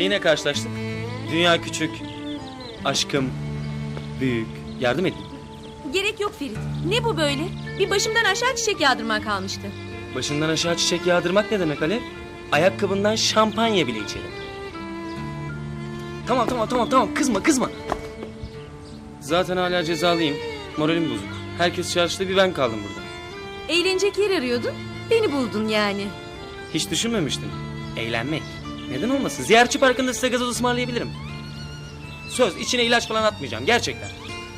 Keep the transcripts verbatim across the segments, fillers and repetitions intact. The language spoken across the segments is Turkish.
yine karşılaştık. Dünya küçük, aşkım büyük. Yardım edin. Gerek yok Ferit. Ne bu böyle? Bir başımdan aşağı çiçek yağdırman kalmıştı. Başından aşağı çiçek yağdırmak ne demek Alev? Ayakkabından şampanya bile içerim. Tamam tamam tamam tamam kızma kızma. Zaten hala cezalıyım. Moralim bozuk. Herkes çarşıda, bir ben kaldım burada. Eğlenecek yer arıyordun. Beni buldun yani. Hiç düşünmemiştim. Eğlenmek. Neden olmasın? Ziyaretçi parkında size gazoz ısmarlayabilirim. Söz, içine ilaç falan atmayacağım gerçekten.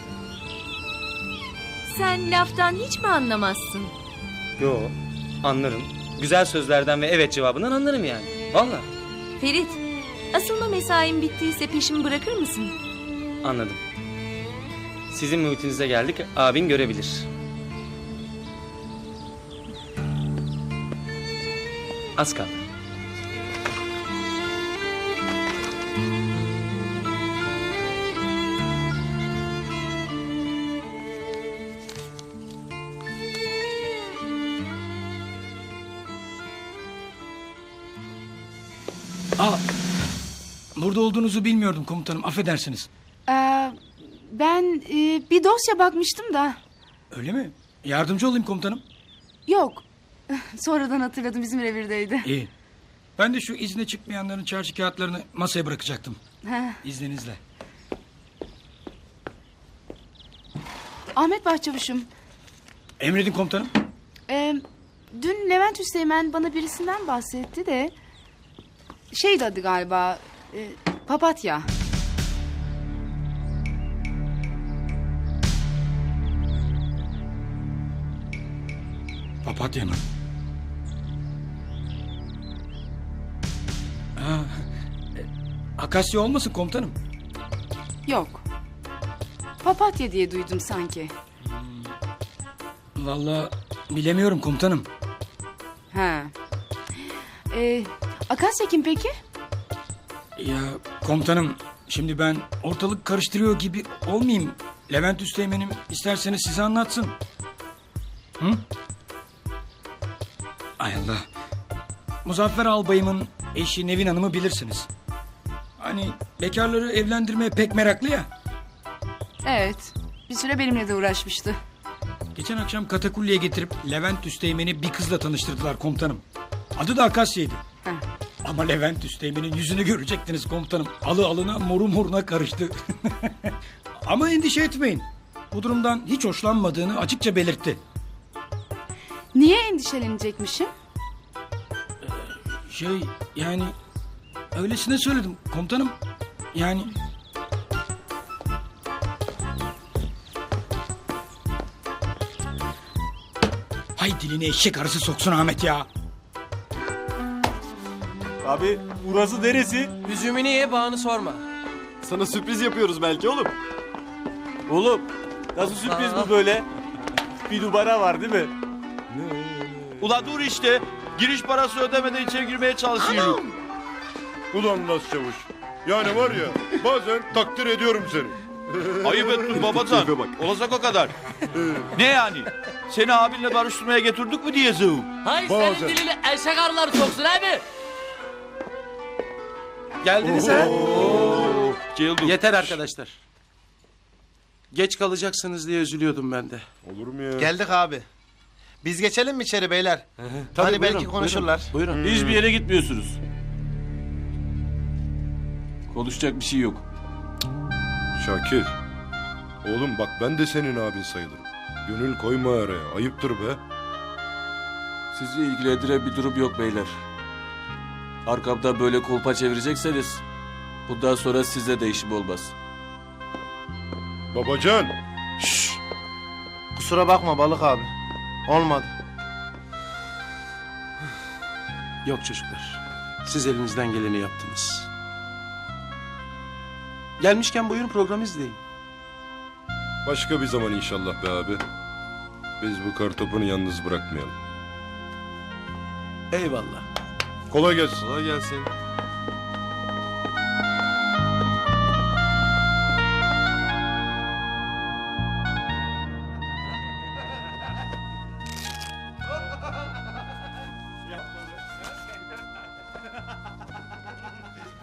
Sen laftan hiç mi anlamazsın? Yo, anlarım. Güzel sözlerden ve evet cevabından anlarım yani. Vallahi. Ferit, asılma mesain bittiyse peşimi bırakır mısın? Anladım. Sizin muhitinize geldik, abin görebilir. Az kaldı. Aa, burada olduğunuzu bilmiyordum komutanım, affedersiniz. Ee, ben e, bir dosya bakmıştım da. Öyle mi? Yardımcı olayım komutanım. Yok. Sonradan hatırladım, bizim revirdeydi. İyi. Ben de şu izne çıkmayanların çarşı kağıtlarını masaya bırakacaktım. Heh. İzninizle. Ahmet Başçavuş'um. Emredin komutanım. E, dün Levent Üsteğmen bana birisinden bahsetti de... Şeydi adı galiba... E, Papatya. Papatya mı? Ha, e, Akasya olmasın komutanım? Yok. Papatya diye duydum sanki. Vallahi bilemiyorum komutanım. Ha. E, Akasya kim peki? Ya komutanım, şimdi ben ortalık karıştırıyor gibi olmayayım. Levent Üsteğmen'im isterseniz size anlatsın. Hı? Ay Allah. Muzaffer Albayım'ın eşi Nevin Hanım'ı bilirsiniz. Hani bekarları evlendirmeye pek meraklı ya. Evet. Bir süre benimle de uğraşmıştı. Geçen akşam katakulliye getirip Levent Üsteğmen'i bir kızla tanıştırdılar komutanım. Adı da Akasya'ydı. Heh. Ama Levent Üsteğmen'in yüzünü görecektiniz komutanım. Alı alına moru moruna karıştı. Ama endişe etmeyin. Bu durumdan hiç hoşlanmadığını açıkça belirtti. Niye endişelenecekmişim? Şey yani öylesine söyledim komutanım. Yani... Hay dilini eşek arısı soksun Ahmet ya. Abi burası neresi? Üzümünü ye, bağını sorma. Sana sürpriz yapıyoruz belki oğlum. Oğlum nasıl sürpriz bu böyle? Bir numara var değil mi? Ula dur işte. Giriş parası ödemeden içeri girmeye çalışıyorum. Ulan Nas Çavuş. Yani var ya bazen takdir ediyorum seni. Ayıp ettin babacan. Tipe bak. Olacak o kadar. Ne yani? Seni abinle barıştırmaya getirdik mi diye zıv. Hay Bazen. senin dilini eşek arıları soksun abi. Geldiniz ha? Ceylduk. Yeter arkadaşlar. Geç kalacaksınız diye üzülüyordum ben de. Olur mu ya? Geldik abi. Biz geçelim mi içeri beyler? Tabii, Hani belki buyurun, konuşurlar. Buyurun. buyurun. Hiçbir yere gitmiyorsunuz. Konuşacak bir şey yok. Şakir. Oğlum bak ben de senin abin sayılırım. Gönül koyma araya. Ayıptır be. Sizi ilgilendiren bir durum yok beyler. Arkamdan böyle kolpa çevirecekseniz bundan sonra size de işim olmaz. Babacan. Şşş. Kusura bakma balık abi. Olmadı. Yok çocuklar. Siz elinizden geleni yaptınız. Gelmişken buyurun program izleyin. Başka bir zaman inşallah be abi. Biz bu kartopunu yalnız bırakmayalım. Eyvallah. Kolay gelsin. Kolay gelsin.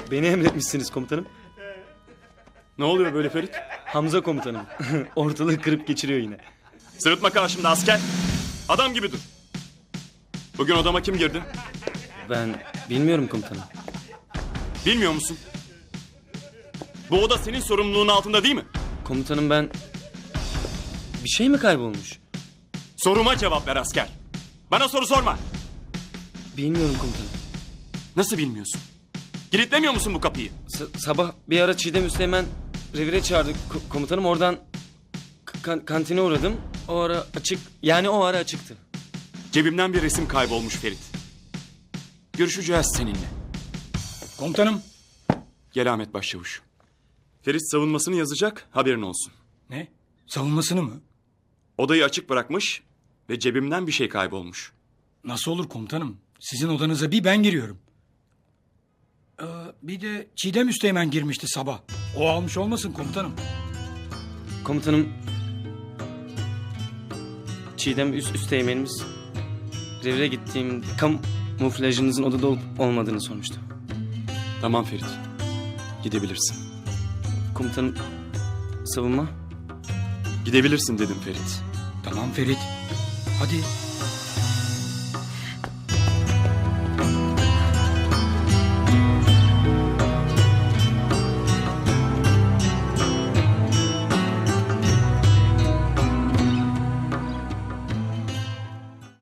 Beni emretmişsiniz komutanım. Ne oluyor böyle Ferit? Hamza komutanım. Ortalığı kırıp geçiriyor yine. Sırıtma karşımda asker. Adam gibi dur. Bugün odama kim girdi? Ben bilmiyorum komutanım. Bilmiyor musun? Bu oda senin sorumluluğun altında değil mi? Komutanım ben... Bir şey mi kaybolmuş? Soruma cevap ver asker. Bana soru sorma. Bilmiyorum komutanım. Nasıl bilmiyorsun? Kilitlemiyor musun bu kapıyı? S- sabah bir ara Çiğdem Üsteğmen revire çağırdı ko- komutanım. Oradan kan- kantine uğradım. O ara açık... Yani o ara açıktı. Cebimden bir resim kaybolmuş Ferit. Görüşeceğiz seninle. Komutanım. Gel Ahmet Başçavuş. Ferit savunmasını yazacak, haberin olsun. Ne? Savunmasını mı? Odayı açık bırakmış ve cebimden bir şey kaybolmuş. Nasıl olur komutanım? Sizin odanıza bir ben giriyorum. Ee, bir de Çiğdem Üsteğmen girmişti sabah. O almış olmasın komutanım. Komutanım... Çiğdem üst üsteğmenimiz... Revire gittiğim kamuflajınızın odada olup olmadığını sormuştu. Tamam Ferit. Gidebilirsin. Komutanım... Savunma... Gidebilirsin dedim Ferit. Tamam Ferit. Hadi